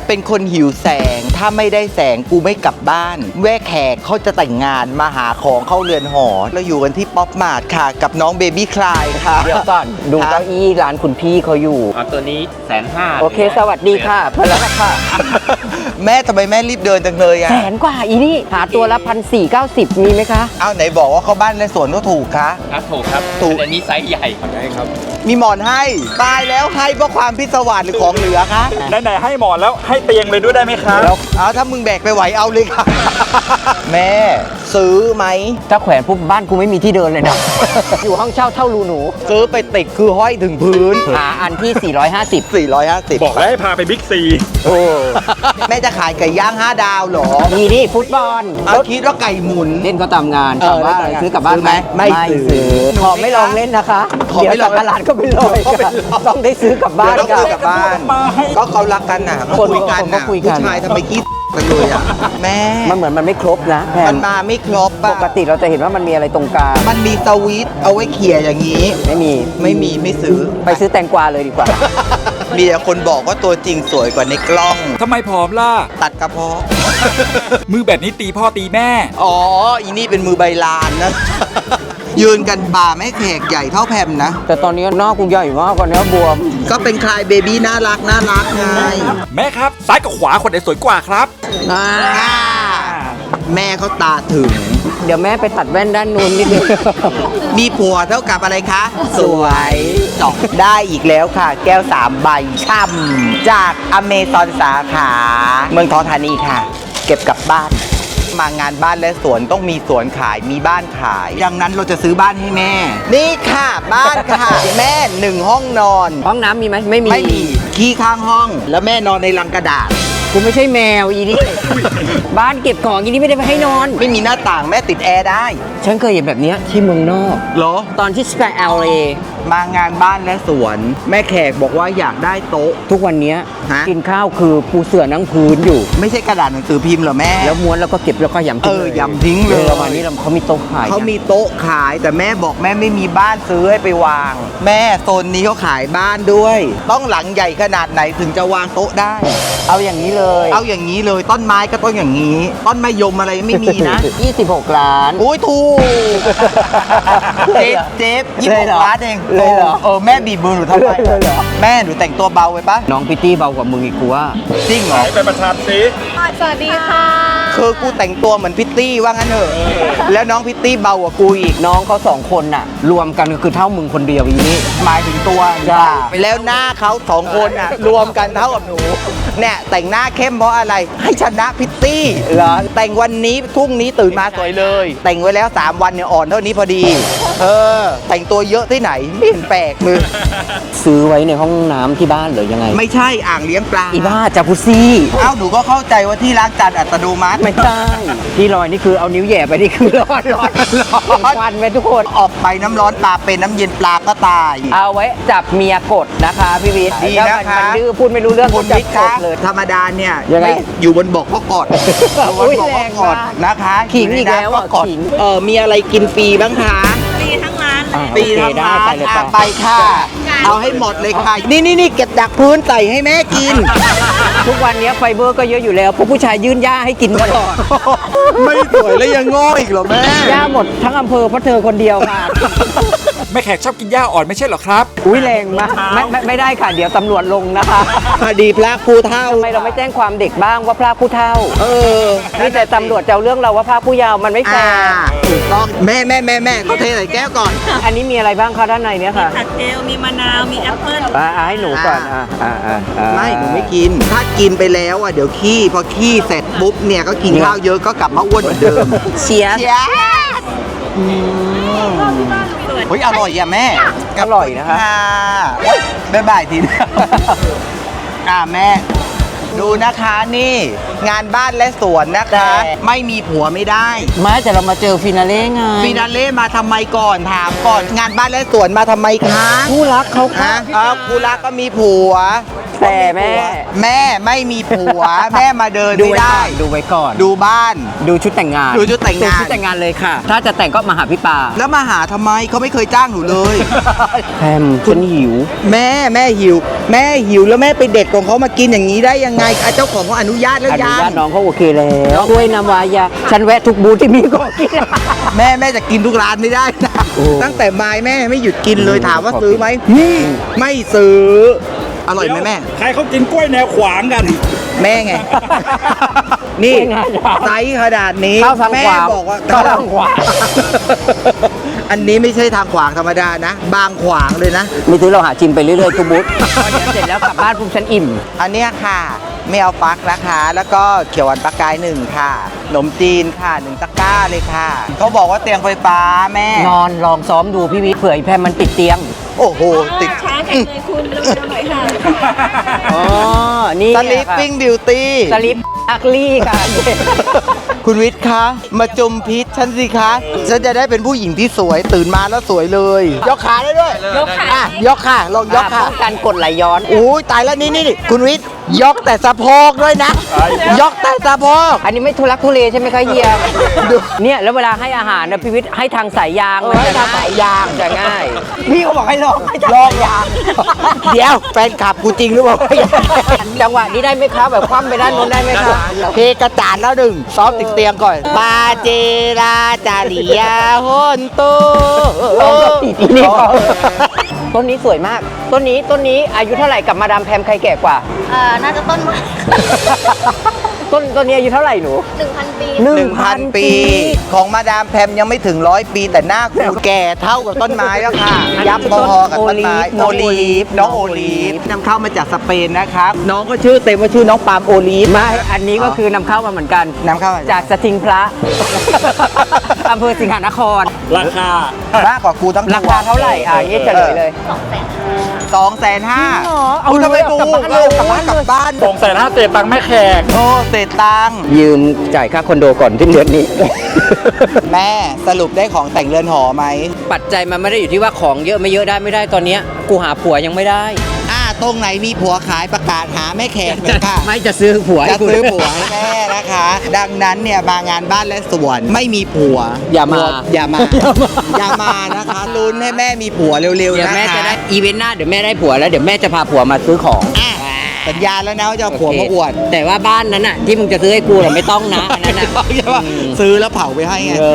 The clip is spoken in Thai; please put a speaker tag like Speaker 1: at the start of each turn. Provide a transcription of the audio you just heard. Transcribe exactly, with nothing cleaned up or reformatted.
Speaker 1: เป็นคนหิวแสงถ้าไม่ได้แสงกูไม่กลับบ้านแว่แขกเขาจะแต่งงานมาหาของเข้าเรือนหอเราอยู่กันที่ป๊อปมาร์ทค่ะกับน้องเบบี้คลายค่ะ
Speaker 2: เดี๋ยวก่อนดูเก้าอี้ร้านคุณพี่เขาอยู่
Speaker 3: เอาตัวนี้แสนห้า
Speaker 2: โอเคสวัสดีค่ะเพื่อนแล้วค่ะ
Speaker 1: แม่ทำไมแม่รีบเดินจังเลยอะ
Speaker 2: แสนกว่าอีนี่หาตัวละพันสี่เก้าสิบมีไหมคะ
Speaker 1: เอาไหนบอกว่าเขาบ้านและสวนก็ถูกคะ
Speaker 3: ครับถูกครับ
Speaker 1: ถูก
Speaker 3: อันนี้ไซส์ใหญ่ใช่ครับ
Speaker 1: มีหมอนให้ตายแล้วให้เพราะความพิศวาสหรือของเหลือคะ
Speaker 4: ไหนๆให้หมอนแล้วให้เตียงเลยด้วยได้ไหมครับ
Speaker 1: แล้วเอาถ้ามึงแบกไปไหวเอาเลยค่ะ แม่ซื้อไหม
Speaker 2: ถ้าแขวนปุ๊บบ้านกูไม่มีที่เดินเลยนะ อยู่ห้องเช่าเท่ารูหนู
Speaker 1: ซื้อไปติดคือห้อยถึงพื้น
Speaker 2: หาอันที่ สี่ร้อยห้าสิบ
Speaker 1: สี่ร้อยห้าสิบ
Speaker 4: บอกแล้วให้พาไปบิ๊กซี
Speaker 1: โอ้แม่จะขายไก่ย่างห้าดาวเหรอ
Speaker 2: มีนี่ฟุตบอล
Speaker 1: เอาคิดว่าไก่หมุน
Speaker 2: เล่นก็ตามงาน
Speaker 1: เออ
Speaker 2: ถามว่า
Speaker 1: เล่นตามงาน
Speaker 2: ซื้อกลับบ้าน
Speaker 1: ซื้อไหมไม่ซื้อ
Speaker 2: ขอไม่ลองเล่นนะคะ
Speaker 1: ขอไม่
Speaker 2: เดี๋ยว
Speaker 1: ลอง
Speaker 2: สักการะก็ไม่ลอย
Speaker 1: ขอไม่ลอง
Speaker 2: ต้องได้ซื้อกลับบ้าน
Speaker 1: เดี๋ยวต้องซื้อกลับบ้าน ก็เขารักกันน่ะเขา
Speaker 2: คน
Speaker 1: คุยกัน
Speaker 2: คนก็
Speaker 1: น่ะ
Speaker 2: คุยกัน
Speaker 1: ผู้ชายทำไมคิดกันเลยอ่ะแม่
Speaker 2: มันเหมือนมันไม่ครบนะแพ
Speaker 1: มัน นมาไม่ครบ
Speaker 2: ป
Speaker 1: อะ
Speaker 2: กติเราจะเห็นว่ามันมีอะไรตรงกลาง
Speaker 1: มันมีสวิตช์เอาไว้เขี่ยอย่างนี้
Speaker 2: ไม่มี
Speaker 1: ไม่มีไม่ซื้อ
Speaker 2: ไปซื้อแตงกวาเลยดีกว่า
Speaker 1: มีแต่คนบอกว่าตัวจริงสวยกว่าในกล้อง
Speaker 4: ทำไมผอมล่ะ
Speaker 1: ตัดกระเพาะ
Speaker 4: มือแบบนี้ตีพ่อตีแม่
Speaker 1: อ๋อ อีนี่เป็นมือใบลานนะ ยืนกันบ่าไม่แขกใหญ่เท่าแพมนะ
Speaker 2: แต่ตอนนี้หน้ากูใหญ่มากกว่าเนื้อบวม
Speaker 1: ก็เป็นคลายเบบี้น่ารักน่ารักไง
Speaker 4: แม่ครับ ซ้ายกับขวาคนไหนสวยกว่าครับ
Speaker 2: อ่า
Speaker 1: อ่าแม่เขาตาถึง
Speaker 2: เดี๋ยวแม่ไปตัดแว่นด้านนู้นนิดนึง
Speaker 1: มีผัวเท่ากับอะไรคะ สวยจบได้อีกแล้วค่ะ แก้วสามใบช่ำจากอเมซอนสาขา เมืองทองธานีค่ะ เก็บกลับบ้าน มางานบ้านและสวนต้องมีสวนขายมีบ้านขาย ดังนั้นเราจะซื้อบ้านให้แม่ นี่ค่ะบ้านค่ะ แม่หนึ่งห้องนอน
Speaker 2: ห้องน้ำมีไหมไม่มี
Speaker 1: ไม่มีขี้ข้างห้อง แล้วแม่นอนในลังกระดาษ
Speaker 2: กูไม่ใช่แมวอีนี่ บ้านเก็บของอีนี่ไม่ได้ไปให้นอน
Speaker 1: ไม่มีหน้าต่างแม่ติดแอร์ได้
Speaker 2: ฉันเคยเห็นแบบเนี้ยที่เมืองนอก
Speaker 1: เหรอ
Speaker 2: ตอนที่สเปนเอลเอ
Speaker 1: มางานบ้านและสวน แม่แขกบอกว่าอยากได้โต๊ะ
Speaker 2: ทุกวันเนี้ย
Speaker 1: ฮะ
Speaker 2: กินข้าวคือปูเสื่อนั่งพื้นอยู่
Speaker 1: ไม่ใช่กระดาษหนังสือพิมพ์เหรอแม่
Speaker 2: แล้วม้วนแล้วก็เก็บแล้วก็ยำทิ้ง
Speaker 1: เออ
Speaker 2: เลย
Speaker 1: ยำทิ้งเลย
Speaker 2: ประมาณนี้เราเขามีโต๊ะขาย
Speaker 1: เขามีโต๊ะขายแต่แม่บอกแม่ไม่มีบ้านซื้อให้ไปวาง แม่โซนนี้เขาขายบ้านด้วย ต้องหลังใหญ่ขนาดไหนถึงจะวางโต๊ะได้
Speaker 2: เอาอย่างนี้เลย
Speaker 1: เอาอย่างนี้เลยต้นไม้ก็ต้นอย่างนี้ ต้นมะยมอะไรไม่มีนะ
Speaker 2: ยี่สิบหกล้าน
Speaker 1: อุ้ยถูกเจ๊เจ๊ยี่
Speaker 2: เล
Speaker 1: สิ
Speaker 2: ย
Speaker 1: บ
Speaker 2: เหรอ
Speaker 1: ล้านเอง
Speaker 2: เลยเหรอ
Speaker 1: เออแม่บีบมือหนูทำไม
Speaker 2: เลยเหรอ
Speaker 1: แม่หนูแต่งตัวเบาไปปะ
Speaker 2: น้องพิตตี้เบากว่ามึงอีกกูว่า
Speaker 1: จริงเหรอ
Speaker 4: ไปประชันสิ
Speaker 5: สวัสดีค่ะ
Speaker 1: คือกูแต่งตัวเหมือนพิตตี้ว่างั้นเถอะแล้วน้องพิตตี้เบากว่ากูอีก
Speaker 2: น้องเขาสองคนน่ะ รวมกันก็คือเท่ามึงคนเดียวอีนี่
Speaker 1: หมายถึงตัว
Speaker 2: จ้า
Speaker 1: ไปแล้วหน้าเขาสองคนอ่ะ รวมกันเท่ากับหนูเนี่ยแต่งหน้าเข้มเพราะอะไร ให้ชนะพิตตี้
Speaker 2: เหรอ
Speaker 1: แต่งวันนี้พรุ่งนี้ตื่นมาสวยเลย แต่งไว้แล้วสามวันเนี่ยอ่อนเท่านี้พอดี เออ แต่งตัวเยอะที่ไหนไม่เห็นแปลกเลย
Speaker 2: ซื้อไว้ในห้องน้ำที่บ้านหรือยังไง
Speaker 1: ไม่ใช่อ่างเลี้ยงปลา
Speaker 2: อีบ้าจากุซี่
Speaker 1: เอ้าหนูก็เข้าใจว่าที่ล้างจานอัตโนมัติ
Speaker 2: ไม่ใช่ที่ลอยนี่คือเอานิ้วแหย่ไปนี่คือร้อนร้อน
Speaker 1: ร้อน
Speaker 2: ควันไปทุกคน
Speaker 1: ออกไปน้ำร้อนปลาเป็นน้ำเย็นปลาก็ตาย
Speaker 2: เอาไว้จับเมียกดนะคะพี่วิทย์
Speaker 1: ดี
Speaker 2: ถ้า
Speaker 1: นะคะ
Speaker 2: มันดื้อพูดไม่รู้เรื่อง
Speaker 1: คุณ
Speaker 2: จั
Speaker 1: วิ
Speaker 2: บ
Speaker 1: ทย์
Speaker 2: ก
Speaker 1: คะ
Speaker 2: ดเลย
Speaker 1: ธรรมดาเนี่ย
Speaker 2: ยังไง
Speaker 1: ไม่อยู่บนบกก็กอดอยู่บนบกก็กอดนะคะ
Speaker 2: ขิงอีกแล้วอ่ะ
Speaker 1: ยู่ในน้ำกอด
Speaker 2: ขิง
Speaker 1: เออมีอะไรกินฟรีบ้างคะ
Speaker 5: ฟรีทั้งร้านเลย
Speaker 1: ฟรี
Speaker 2: โอเค
Speaker 1: ทั้ง
Speaker 2: ได้
Speaker 1: ร้าน
Speaker 2: ไปเลย
Speaker 1: อ่ะ
Speaker 2: จ้ะ
Speaker 1: ไปค่ะ เอาให้หมดเลยค่ะ นี่นี่นี่เก็บดักพื้นใส่ให้แม่กิน
Speaker 2: ทุกวันนี้ไฟเบอร์ก็เยอะอยู่แล้วพวกผู้ชายยื่นหญ้าให้กินตลอด
Speaker 1: ไม่สวยแล้วยังง้ออีกเหรอแม่
Speaker 2: หญ้าหมดทั้งอำเภอเพราะเธอคนเดียวค่ะ
Speaker 4: แม่แขกชอบกินหญ้าอ่อนไม่ใช่เหรอครับ
Speaker 2: อุ้ยแรงมากไม่ไม่ไม่ได้ค่ะ เดี๋ยวตำรวจลงนะคะ
Speaker 1: พอดีพระครูเท่า
Speaker 2: ทำไมเราไม่แจ้งความเด็กบ้างว่าพระผู้เท่า
Speaker 1: เออ
Speaker 2: นี่แต่ตำรวจจะเอาเรื่องเราว่าพระผู้เยาว์มันไม่แฟ
Speaker 1: อ่า
Speaker 2: ร์
Speaker 1: ถูกต้องแม่แม่แม่แม่เขาเทใส่แก้วก่อน
Speaker 2: อันนี้มีอะไรบ้างคะด้านในเนี้ยค่ะ
Speaker 5: ผักเจลมีมะนาว มีแอปเปิ้ล
Speaker 2: อ่าอ่าให้หนูก่อนอ่าอ่าอ่าอ่า
Speaker 1: ไม่หนูไม่กิน ถ้ากินไปแล้วอ่ะเดี๋ยวขี้พอขี้เสร็จปุ๊บเนี่ยก็กินข้าวเยอะก็กลับมาอ้วนเหมือนเดิม
Speaker 2: เชียร์
Speaker 1: เชียร์เฮ้ยอร่อยอ่ะแม่
Speaker 2: อร่อยนะคะ
Speaker 1: ค่ะโอ๊ยบ๊ายบายทีนะอ่าแม่ ดูนะคะนี่ งานบ้านและสวนนะคะ ไม่มีผัวไม่ได้
Speaker 2: ไม่แต่เรามาเจอฟินาเล่ไง
Speaker 1: ฟินาเล่มาทำไมก่อนถามก่อน งานบ้านและสวนมาทำไมคะ
Speaker 2: ผู้รักเขา
Speaker 1: ฮะ
Speaker 2: ค่ะ
Speaker 1: อ้าวกูรักก็มีผัว
Speaker 2: แฟแต่แม่
Speaker 1: แม่ไม่มีผัว แม่มาเดิน
Speaker 2: ดู
Speaker 1: ไม่
Speaker 2: ไว้ก่
Speaker 1: ได้
Speaker 2: อนดูไว้ก่อน
Speaker 1: ดูบ้าน
Speaker 2: ดูชุดแต่งงาน
Speaker 1: ดูชุดแต่งงาน
Speaker 2: ชุดแต่งงานเลยค่ะ ถ้าจะแต่งก็มาหาพี่ปา
Speaker 1: แล้วมาหาทำไมเขาไม่เคยจ้างหนูเลย
Speaker 2: แพมฉันหิว
Speaker 1: แม่แม่หิว แม่หิวแล้วแม่ไปเด็ดของเขามากินอย่างนี้ได้ยังไงอ่ะเจ้าของเขาอนุญาตแล้ว
Speaker 2: อนุ
Speaker 1: ยั
Speaker 2: ญาต
Speaker 1: ง
Speaker 2: น้องเขาโอเคแล้วด้วยน้ำวายาฉันแวะทุกบูธที่มีก็กิน
Speaker 1: แม่แม่จะกินทุกร้านไม่ได้นะ
Speaker 2: โอ้
Speaker 1: ตั้งแต่ไม้แม่ไม่หยุดกินเลย
Speaker 2: อืม
Speaker 1: ถามว่า
Speaker 2: ขอบคุณ
Speaker 1: ซื้อไหมนี่ไม่ซื้อ อร่อยไหมแม่
Speaker 4: ใครเขากินกล้วยแนวขวางกัน
Speaker 1: แม่ไง นี่
Speaker 2: ไม่ง่ายหรอก
Speaker 1: ไซส์ขนาดนี้
Speaker 2: เข้าทาง
Speaker 1: แม่
Speaker 2: ขวาง
Speaker 1: บอกว่า
Speaker 2: เข้าทางขวาง
Speaker 1: อันนี้ไม่ใช่ทางขวางธรรมดานะ บางขวางเลยนะ
Speaker 2: มีซื้อเราหาชิมไปเรื่อยๆทุกบูธพอเดี๋ยวเสร็จแล้วกลับบ้านปุ๊บฉันอิ่ม
Speaker 1: อันเนี้ยค่ะไม่เอาฟักนะคะ แล้วก็เขียวหวานปลากายหนึ่งค่ะขนมจีนค่ะหนึ่งตะกร้าเลยค่ะเขาบอกว่าเตียงไฟฟ้าแม่
Speaker 2: นอนลองซ้อมดูพี่วิเผื่อไอ้แพมมันติดเตียง
Speaker 1: โอ้โห ติด
Speaker 5: ช้าจังเลยคุณเร็วๆหน่อยค่ะ
Speaker 2: อ๋อ นี่
Speaker 1: สลิปปิ้งบิวตี้
Speaker 2: สลิปอักลี่ค่ะ
Speaker 1: คุณวิทย์คะ มาจมพิษฉันสิคะ ฉันจะได้เป็นผู้หญิงที่สวยตื่นมาแล้วสวยเลย ยกขาได้ด้วย
Speaker 5: ยกขา
Speaker 1: อ่ะยกค่ะ ลองยกค่ะ
Speaker 2: ป้องกันกดไหลย้อน
Speaker 1: โอ้ยตายแล้วนี่นี่นี่คุณวิทย์ยกแต่สะโพกด้วยนะ ยกแต่สะโพก
Speaker 2: อันนี้ไม่ทุลักทุเลใช่ไหมคะเฮียเนี่ยแล้วเวลาให้อาหารนะพี่วิทย์ให้ทางสายยาง
Speaker 1: เออให้ทางสายยาง
Speaker 2: จะง่าย
Speaker 1: พี่เขาบอกให้ลองลองยาง เดี๋ยวแฟนขับกูจริงหรือเปล่า
Speaker 2: จังหวะนี้ได้ไหมคะแบบคว่ำไปด้านโน้นได้ไหมคะ
Speaker 1: เพกระจาดแล้วหนึ่งซ้อมติดเตียงก่อนปาเจราจาริยาโฮนโต
Speaker 2: ลองกับตีนี่พอต้นนี้สวยมาก ต้นนี้ต้นนี้อายุเท่าไหร่กับมาดามแพมใครแก่กว่า
Speaker 5: เอ่อ น่าจะต้นไม้
Speaker 2: ต้นต้นนี้อายุเท่าไหร่หนู
Speaker 5: หนึ่งพันปี
Speaker 1: หนึ่งพันปี ของมาดามแพมยังไม่ถึงร้อยปี แต่หน้าคูแก่เท่ากับต้นไม้แล้วค่ะ ยับพอๆกับต้นไม้
Speaker 2: โอลีฟ
Speaker 1: น้องโอลีฟนำเข้ามาจากสเปนนะครับ น้องก็ชื่อเต็มว่าชื่อน้องปาล์มโอลีฟ
Speaker 2: ไม่อันนี้ก็คือนำเข้ามาเหมือนกัน
Speaker 1: นำเข้ามา
Speaker 2: จากสทิงพระ อำเภอสิงหนคร
Speaker 4: ราคา
Speaker 1: มากกว่ากูทั้ง
Speaker 2: ราคาเท่าไหร่อ่ะนี่เฉลยเลย
Speaker 1: สองแสนห้า
Speaker 2: จริงเหรอเอา
Speaker 1: คุณทำไม
Speaker 2: เลย
Speaker 1: ดู
Speaker 2: กลับบ้านเลย
Speaker 1: กลับบ้าน
Speaker 2: ก
Speaker 1: ก
Speaker 2: ลั
Speaker 1: ลั
Speaker 2: บบ บ้าน
Speaker 1: บ้าน
Speaker 4: สองแสนห้าเศษตังค์แม่แขก
Speaker 1: โทษเศษตังค์
Speaker 2: ยืมจ่ายค่าคอนโดก่อนที่เดือนนี้
Speaker 1: แม่สรุปได้ของแต่งเรือนหอไหม
Speaker 2: ปัจจัยมันไม่ได้อยู่ที่ว่าของเยอะไม่เยอะได้ไม่ได้ตอนเนี้ยกูหาผัวยังไม่ได้
Speaker 1: อ่าตรงไหนมีผัวขายประกาศหาแม่แขกเลยค่ะ
Speaker 2: ไม่จะซื้อผัวให้
Speaker 1: จะ
Speaker 2: กู
Speaker 1: ซื้อผัวให้แม่นะคะ ดังนั้นเนี่ยมางานบ้านและสวนไม่มีผัว
Speaker 2: อย่ามา
Speaker 1: อย่ามา อย่ามานะคะลุ้นให้แม่มีผัวเร็ว
Speaker 2: เดี๋
Speaker 1: ๆ
Speaker 2: ยว
Speaker 1: นะ
Speaker 2: แม่
Speaker 1: คะ
Speaker 2: จะได้อีเวนต์หน้าเดี๋ยวแม่ได้ผัวแล้วเดี๋ยวแม่จะพาผัวมาซื้อของ
Speaker 1: อ่ะสัญญาแล้วนะว่าจะเอาผัวมาอวด
Speaker 2: แต่ว่าบ้านนั้นน่ะที่มึงจะซื้อให้กูน่ะไม่ต้องนะอันนั้นน่ะ
Speaker 1: ใช่ปะซื้อแล้วเผาไปให้ไง
Speaker 2: เออ